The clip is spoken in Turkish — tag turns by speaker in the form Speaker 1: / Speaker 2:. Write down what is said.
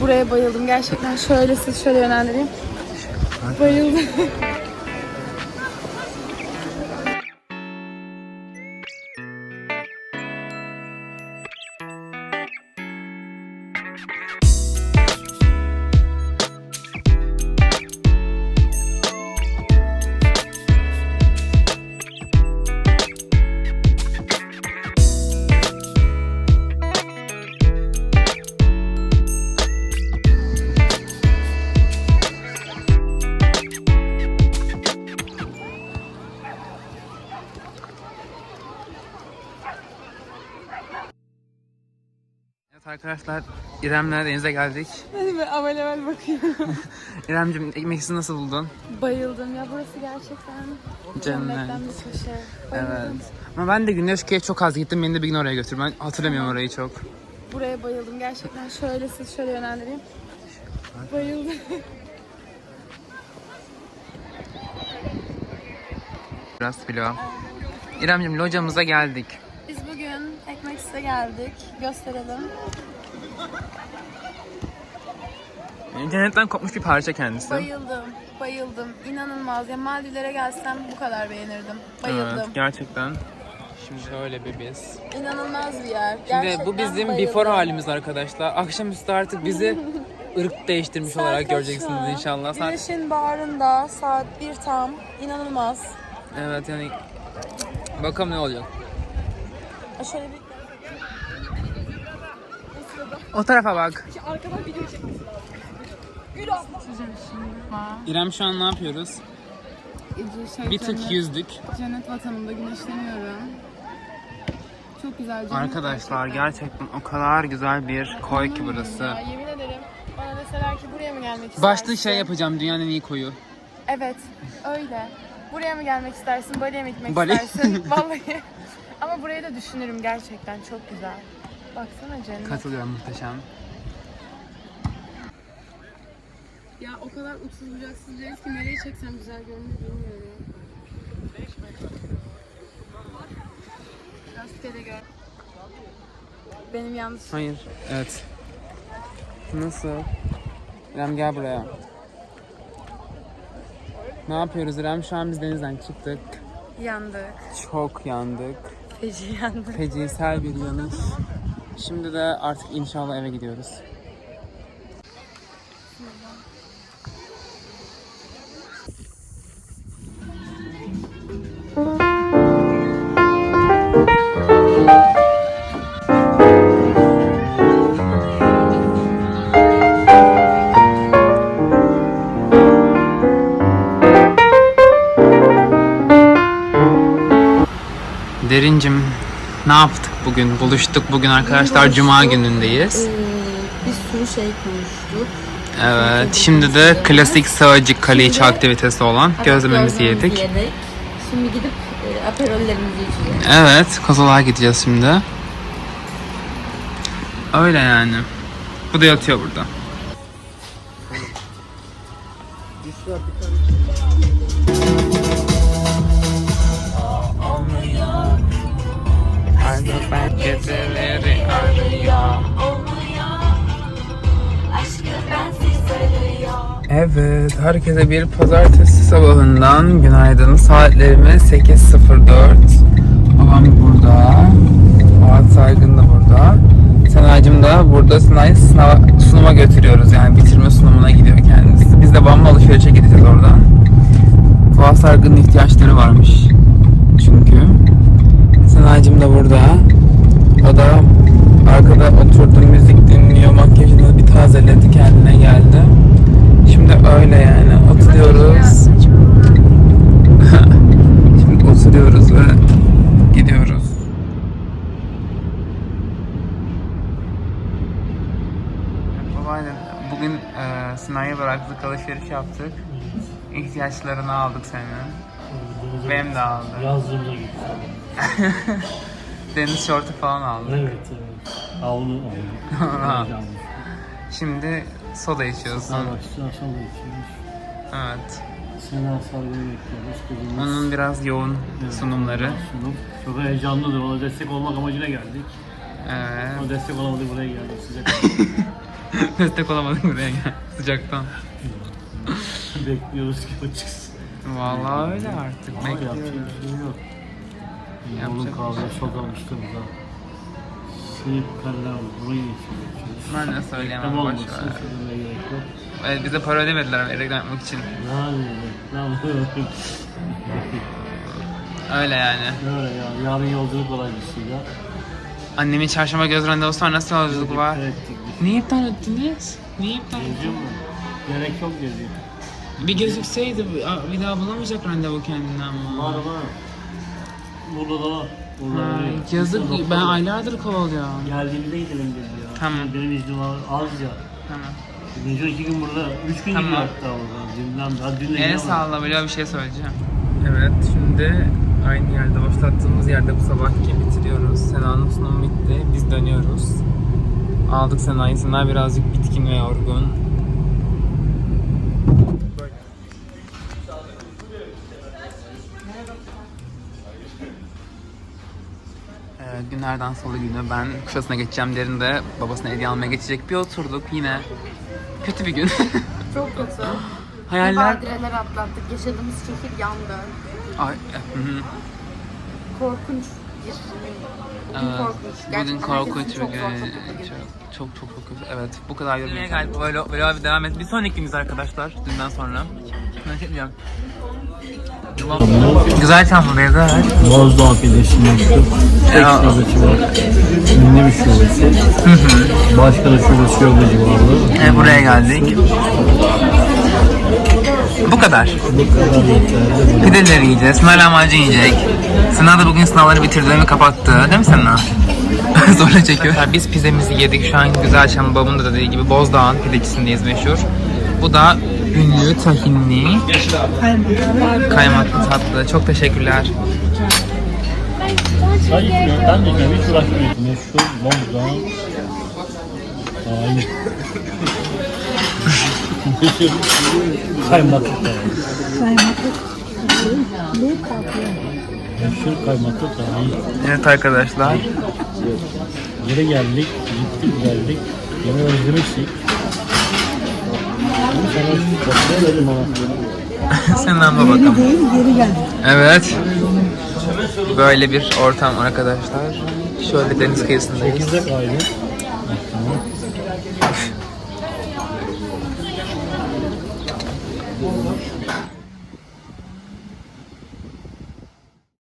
Speaker 1: Buraya bayıldım gerçekten. Şöyle siz şöyle yönlendireyim. Bayıldım.
Speaker 2: Evet arkadaşlar, İrem'le denize geldik.
Speaker 1: Hadi be avel avel bakıyorum.
Speaker 2: İrem'cim, ekmeksiz nasıl buldun?
Speaker 1: Bayıldım ya, burası gerçekten cennetten bir köşe.
Speaker 2: Evet. Ama ben de Güneşköy'e çok az gittim. Beni de bir gün oraya götür. Ben hatırlamıyorum orayı çok.
Speaker 1: Buraya bayıldım gerçekten. Şöyle siz şöyle yönlendireyim. Bayıldım.
Speaker 2: Biraz vlog. İrem'cim, locamıza geldik.
Speaker 1: Biz bugün Ekmeksiz'e geldik. Gösterelim.
Speaker 2: Cennetten kopmuş bir parça kendisi.
Speaker 1: Bayıldım. Bayıldım. İnanılmaz. Ya Maldivlere gelsem bu kadar beğenirdim. Bayıldım.
Speaker 2: Evet, gerçekten. Şimdi şöyle bir biz.
Speaker 1: İnanılmaz bir yer.
Speaker 2: Şimdi
Speaker 1: Gerçekten
Speaker 2: bu bizim
Speaker 1: bayıldım.
Speaker 2: before halimiz arkadaşlar. Akşamüstü artık bizi ırk değiştirmiş
Speaker 1: Saat
Speaker 2: olarak
Speaker 1: kaç
Speaker 2: göreceksiniz
Speaker 1: şu an?
Speaker 2: inşallah.
Speaker 1: Güneşin bağrında saat 1 tam. İnanılmaz.
Speaker 2: Evet, yani bakalım ne olacak.
Speaker 1: Şöyle bir...
Speaker 2: O tarafa bak.
Speaker 1: Arkadan video çekmesi lazım. Gül abla.
Speaker 2: İrem, şu an ne yapıyoruz? Bir tık yüzdük.
Speaker 1: Cennet vatanımda güneşleniyorum. Çok güzel cennet.
Speaker 2: Arkadaşlar gerçekten o kadar güzel bir koy ki burası.
Speaker 1: Ya, yemin ederim bana deseler ki buraya mı gelmek istersin?
Speaker 2: Başta şey yapacağım, dünyanın en iyi koyu.
Speaker 1: Evet öyle. Buraya mı gelmek istersin, Bali'ye mi gitmek
Speaker 2: Bali.
Speaker 1: istersin? Vallahi. Ama burayı da düşünürüm gerçekten, çok güzel. Baksana cennet.
Speaker 2: Katılıyorum, muhteşem.
Speaker 1: Ya o kadar uçsuz bucaksız bir ki nereye çeksem güzel görünür bilmiyorum. Rastgele gör. Benim yanlış.
Speaker 2: Hayır. Evet. Nasıl? İrem gel buraya. Ne yapıyoruz İrem? Şu an biz denizden çıktık.
Speaker 1: Yandık.
Speaker 2: Çok yandık.
Speaker 1: Feci yandık.
Speaker 2: Fecisel bir yanış. Şimdi de artık inşallah eve gidiyoruz. Derincim, ne yaptık bugün? Buluştuk bugün arkadaşlar. Cuma günündeyiz.
Speaker 1: Bir sürü şey konuştuk.
Speaker 2: Evet. Şimdi de klasik Sığacık Kaliçi aktivitesi olan gözlememizi yedik.
Speaker 1: Şimdi gidip aperollerimizi içeceğiz.
Speaker 2: Evet. Kozalağa gideceğiz şimdi. Öyle yani. Bu da yatıyor burada. Ben geceleri arıyor. Evet, herkese bir pazartesi sabahından günaydın. Saatlerimiz 8:04. Babam burada. Fuat Saygın da burada. Senacığım da burada. Sena'yı sunuma götürüyoruz, yani bitirme sunumuna gidiyor kendisi. Biz de babamla alışverişe gideceğiz oradan. Fuat Saygın'ın ihtiyaçları varmış çünkü. Senacığım da burada. O da arkada oturdu, müzik dinliyor, makyajını bir tazeledi, kendine geldi. Şimdi öyle yani oturuyoruz. Şimdi oturuyoruz ve gidiyoruz. Babaannem, bugün Sinan'ya bıraktık, alışveriş yaptık. İhtiyaçlarını aldık senin. Benim de aldı.
Speaker 3: Yazdığımda gitti.
Speaker 2: Deniz şortu falan aldık.
Speaker 3: Evet, evet. Havlu aldım.
Speaker 2: Şimdi soda içiyorsun.
Speaker 3: Starbucks'tan sonra içiyoruz.
Speaker 2: Evet.
Speaker 3: Sena Sargı'yı bekliyoruz. Kızımız.
Speaker 2: Onun biraz yoğun sunumları.
Speaker 3: Sunum. Çok heyecanlıdır. Ona destek olmak amacıyla geldik.
Speaker 2: Evet.
Speaker 3: Ona destek olamadık, buraya geldik size.
Speaker 2: Destek olamadık buraya gel. Sıcaktan.
Speaker 3: Bekliyoruz ki o çıksın.
Speaker 2: Vallahi öyle artık.
Speaker 3: Ama yapacak
Speaker 2: Bekliyoruz.
Speaker 3: bir şey yok.
Speaker 2: Yapacak
Speaker 3: Onun
Speaker 2: bir
Speaker 3: kahve çok almıştım da. Sıyıp karlar burayı geçiyor.
Speaker 2: Ben de söyleyemem,
Speaker 3: Reklam
Speaker 2: boş
Speaker 3: olmasın,
Speaker 2: ver.
Speaker 3: söylemeye gerek yok.
Speaker 2: Evet, bize para ödemediler ama reklam yapmak için.
Speaker 3: Yani reklam
Speaker 2: Öyle yani.
Speaker 3: Öyle ya, yarın yolculuk dolayısıyla.
Speaker 2: Annemin çarşamba göz randevusu var. Nasıl yolculuk var?
Speaker 3: Evet,
Speaker 2: Niye iptal ettiniz? Niye iptal ettiniz?
Speaker 3: geziyor mu? Gerek yok geziyor.
Speaker 2: Bir gözükseydi bir daha bulamayacak randevu kendinden mi?
Speaker 3: Var var. Burada da var. Burada
Speaker 2: Ha,
Speaker 3: var.
Speaker 2: yazık,
Speaker 3: Doktor
Speaker 2: ben
Speaker 3: var.
Speaker 2: aylardır kovalıyorum.
Speaker 3: Geldiğimde gidelim dedi ya.
Speaker 2: Tamam.
Speaker 3: Benim iznim var az ya.
Speaker 2: Tamam.
Speaker 3: Birinci 2 gün burada, 3 gün
Speaker 2: Tamam.
Speaker 3: gidiyor hatta burada. Dünden daha dün de
Speaker 2: El
Speaker 3: gidiyor.
Speaker 2: salla, böyle bir şey söyleyeceğim. Evet, şimdi aynı yerde, başlattığımız yerde bu sabahki bitiriyoruz. Sena'nın sunumu bitti, biz dönüyoruz. Aldık Sena'yı, Sena birazcık bitkin ve yorgun. Günlerden salı günü ben Kuşadası'na geçeceğim derinde babasına hediye almaya geçecek bir oturduk yine. Kötü bir gün.
Speaker 1: Çok kötü.
Speaker 2: Hayaller...
Speaker 1: Badireler atlattık. Yaşadığımız şehir yandı.
Speaker 2: Ay, hı.
Speaker 1: Korkunç bir bugün
Speaker 2: Evet,
Speaker 1: korkunç.
Speaker 2: bugün
Speaker 1: Gerçekten
Speaker 2: korkunç
Speaker 1: herkesin
Speaker 2: bir
Speaker 1: çok
Speaker 2: gün.
Speaker 1: zor topuklu gibi.
Speaker 2: Çok kötü. Evet, bu kadar yormaya geldik. Böyle abi devam et. Bir sonraki günümüz arkadaşlar, dünden sonra. Güzel çantadayız, evet.
Speaker 3: Bozdağ pidesini yaptık. Tek
Speaker 2: Ya.
Speaker 3: şubesi var. Ünlü bir şubesi. Başka da şubesi yok bu civarda.
Speaker 2: Buraya geldik. Bu kadar.
Speaker 3: Bu kadar yeterli.
Speaker 2: Pideleri yiyeceğiz. Sınav lahmacun yiyecek. Sınav da bugün sınavları bitirdiğini kapattı. Değil mi Sınav? Zorla çekiyor. Biz pidemizi yedik. Şu an Güzelçam'ın babamın da dediği gibi Bozdağ'ın pidecisindeyiz meşhur. Bu da ünlü tahinli kaymaklı tatlı. Çok teşekkürler.
Speaker 3: Hayır, ben de hiç uğraşmıyorum. Meşhur Bozdağ. Hayır. Meşhur kaymaklı tahin. Meşhur kaymaklı tahin.
Speaker 2: Evet arkadaşlar.
Speaker 3: Geri geldik, gittik geldik. Yine özlemiştik. Sana dedim ama.
Speaker 2: Senden de bakalım. Evet. Böyle bir ortam arkadaşlar. Şöyle deniz kıyısındayız.
Speaker 3: 8'de kaydı. Tamam.